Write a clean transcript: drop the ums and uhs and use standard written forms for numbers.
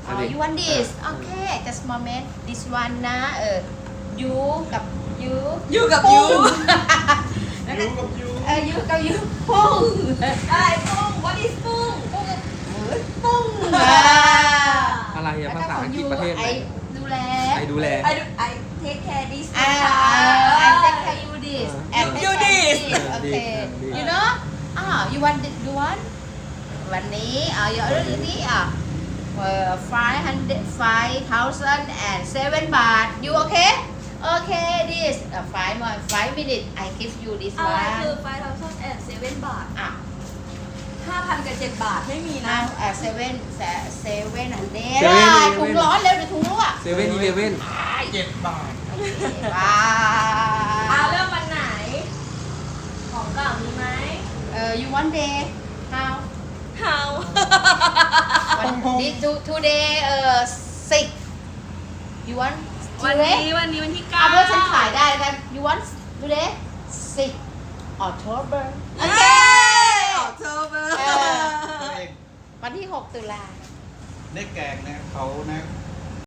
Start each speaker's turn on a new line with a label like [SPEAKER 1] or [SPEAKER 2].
[SPEAKER 1] you want this okay just moment this one นะyou กับ you
[SPEAKER 2] อยู่กับ
[SPEAKER 1] ปุ้
[SPEAKER 2] ยู
[SPEAKER 1] ง
[SPEAKER 3] ยูกับยู
[SPEAKER 1] you กับ you ปุ้ง
[SPEAKER 2] อะไรปุ้ง what is ปุ้ง
[SPEAKER 1] ปุ้ง
[SPEAKER 4] อะไรอะภาษาอังกฤษประเทศไหน
[SPEAKER 1] ไอดูแล
[SPEAKER 4] ไอดูแล
[SPEAKER 2] I take care this
[SPEAKER 1] I take care you this and take
[SPEAKER 2] You
[SPEAKER 1] care
[SPEAKER 2] this
[SPEAKER 1] okay
[SPEAKER 4] this
[SPEAKER 1] you know you want you want วันนี้you already นี้5,007 baht you okay okay this 5 minutes I give you this
[SPEAKER 2] อะไร
[SPEAKER 1] one
[SPEAKER 2] คือ5,007 บาท 5,000 กับ 7 บาทไม่มีนะ
[SPEAKER 1] 7 อันเด้
[SPEAKER 4] 7
[SPEAKER 1] ถุงร้อนเร็วเดี๋ยวถุงรั่ว
[SPEAKER 4] เซเว่นอีเลเว่น
[SPEAKER 3] 7 บาท
[SPEAKER 1] ว้า
[SPEAKER 2] เริ่มวันไหน ของเก่ามีไหม
[SPEAKER 1] you want day how
[SPEAKER 2] เฮา
[SPEAKER 1] this today 6 you want
[SPEAKER 2] วัน
[SPEAKER 1] today
[SPEAKER 2] นี้วันที่
[SPEAKER 1] เอาเพื่อฉัน
[SPEAKER 2] 9
[SPEAKER 1] ขายได้กัน you want today 6 October โอเค
[SPEAKER 2] October
[SPEAKER 1] วันที่ 6 ตุลา
[SPEAKER 3] ได้แกงนะเขานะ